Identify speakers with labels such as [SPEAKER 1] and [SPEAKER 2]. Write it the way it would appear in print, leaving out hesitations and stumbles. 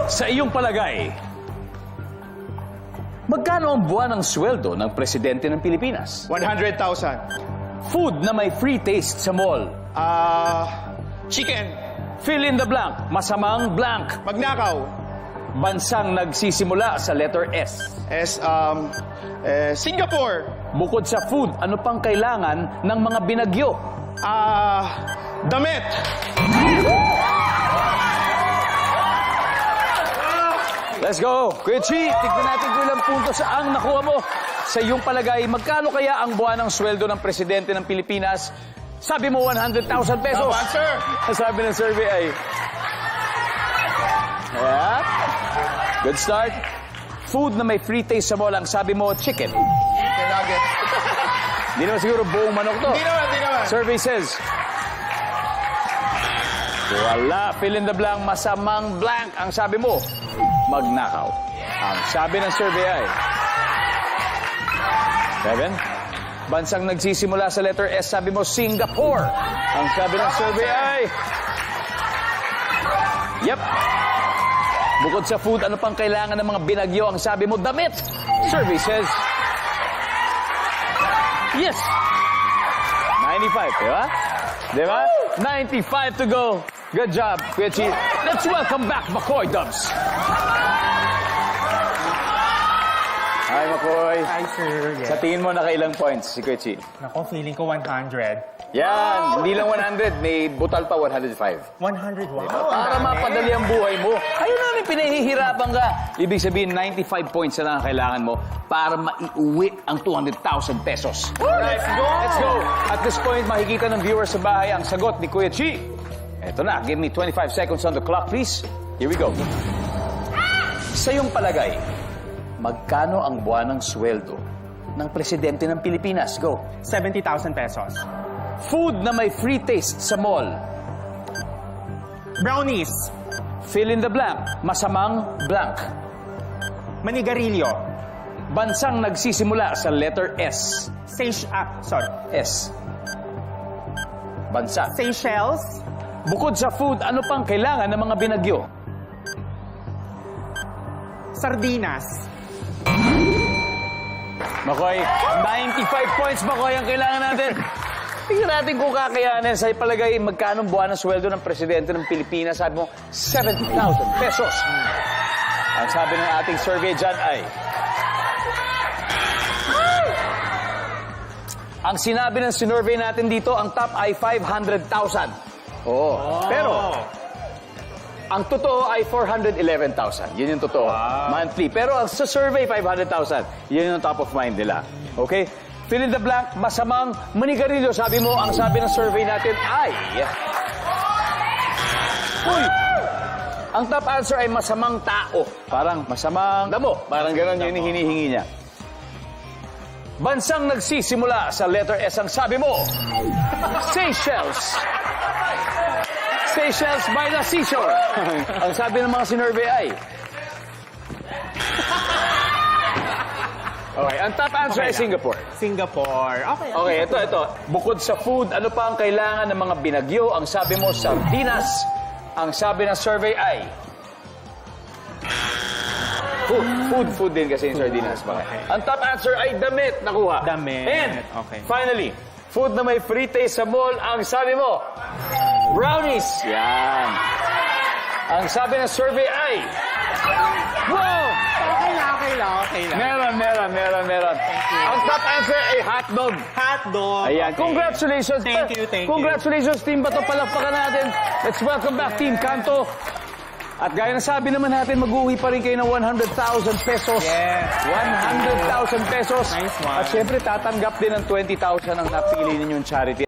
[SPEAKER 1] Sa iyong palagay, magkano ang buwan ng sweldo ng presidente ng Pilipinas?
[SPEAKER 2] 100,000.
[SPEAKER 1] Food na may free taste sa mall.
[SPEAKER 2] Chicken.
[SPEAKER 1] Fill in the blank. Masamang blank.
[SPEAKER 2] Magnakaw.
[SPEAKER 1] Bansang nagsisimula sa letter S.
[SPEAKER 2] Singapore.
[SPEAKER 1] Bukod sa food, ano pang kailangan ng mga binagyo?
[SPEAKER 2] Damit.
[SPEAKER 1] Let's go! Kuya Chi, tignan natin kung ilang puntos ang nakuha mo. Sa iyong palagay, magkano kaya ang buwan ng sweldo ng presidente ng Pilipinas? Sabi mo 100,000 pesos.
[SPEAKER 2] Tama, sir.
[SPEAKER 1] Ang sabi ng survey ay... Yeah. Good start. Food na may free taste sa mall, ang sabi mo, chicken.
[SPEAKER 2] Chicken nugget.
[SPEAKER 1] Hindi naman siguro buong manok to.
[SPEAKER 2] Hindi naman.
[SPEAKER 1] Survey says... Wala. Fill in the blank. Masamang blank. Ang sabi mo, magnakaw. Ang sabi ng survey ay... 7. Bansang nagsisimula sa letter S, sabi mo, Singapore. Ang sabi ng survey ay... Yep. Bukod sa food, ano pang kailangan ng mga binagyo? Ang sabi mo, damit. Survey says... Yes. 95, di ba? Di ba? 95 to go. Good job, Kuya Chi. Let's welcome back McCoy Dubs. Hi, McCoy.
[SPEAKER 3] Hi, sir. Yes.
[SPEAKER 1] Sa tingin mo, nakailang points si Kuya Chi?
[SPEAKER 3] Nako, feeling ko 100.
[SPEAKER 1] Yan, hindi lang 100, may butal pa 105.
[SPEAKER 3] 100, wow.
[SPEAKER 1] Para mapadali ang buhay mo. Ayun namin, pinahihirapan ka. Ibig sabihin, 95 points na lang ang kailangan mo para maiuwi ang 200,000 pesos.
[SPEAKER 2] Let's go.
[SPEAKER 1] Let's go! At this point, makikita ng viewers sa bahay ang sagot ni Kuya Chi. Eto na, give me 25 seconds on the clock, please. Here we go. Sa iyong palagay, magkano ang buwan ng sweldo ng presidente ng Pilipinas? Go.
[SPEAKER 3] 70,000 pesos.
[SPEAKER 1] Food na may free taste sa mall.
[SPEAKER 3] Brownies.
[SPEAKER 1] Fill in the blank. Masamang blank.
[SPEAKER 3] Manigarilyo.
[SPEAKER 1] Bansang nagsisimula sa letter S. S. Bansa.
[SPEAKER 3] Seychelles.
[SPEAKER 1] Bukod sa food, ano pang kailangan ng mga binagyo?
[SPEAKER 3] Sardinas.
[SPEAKER 1] Makoy, 95 points, Makoy, ang kailangan natin. Tingnan natin kung kakayanin. Sa palagay, magkano buwan ng sweldo ng presidente ng Pilipinas? Sabi mo, 70,000 pesos. Ang sabi ng ating survey dyan ay... Ang sinabi ng sinurvey natin dito, ang top ay 500,000. Oo. Pero, ang totoo ay 411,000. Yun yung totoo. Monthly. Pero sa survey, 500,000. Yun yung top of mind nila. Okay? Fill in the blank, masamang manigarilyo. Sabi mo, ang sabi ng survey natin ay... Uy! Ang top answer ay masamang tao. Parang masamang damo. Parang ganon yun yung hinihingi niya. Bansang nagsisimula sa letter S, ang sabi mo, Seychelles. Seychelles by the seashore. Ang sabi ng mga sinurvey ay... Okay, ang top answer ay Singapore.
[SPEAKER 3] Singapore. Okay.
[SPEAKER 1] Okay, ito. Bukod sa food, ano pa ang kailangan ng mga binagyo? Ang sabi mo, sardinas. Ang sabi ng survey ay... Food din kasi yung sardinas.
[SPEAKER 3] Okay.
[SPEAKER 1] Ang top answer ay damit. Nakuha.
[SPEAKER 3] Damit.
[SPEAKER 1] And,
[SPEAKER 3] Okay.
[SPEAKER 1] finally, food na may free taste sa mall. Ang sabi mo, brownies. Yan. Ang sabi ng survey ay... Wow!
[SPEAKER 3] Okay lang.
[SPEAKER 1] Meron. Ang top answer ay hotdog.
[SPEAKER 3] Hotdog.
[SPEAKER 1] Ayan.
[SPEAKER 3] Okay.
[SPEAKER 1] Congratulations.
[SPEAKER 3] Thank you.
[SPEAKER 1] Congratulations, Team Bato. Palakpakan natin. Let's welcome back, Team Kanto. At gaya na sabi naman natin, mag-uwi pa rin kayo ng 100,000 pesos.
[SPEAKER 3] Yes.
[SPEAKER 1] 100,000 pesos.
[SPEAKER 3] Nice one.
[SPEAKER 1] At syempre, tatanggap din ng 20,000 ang napili ninyong charity.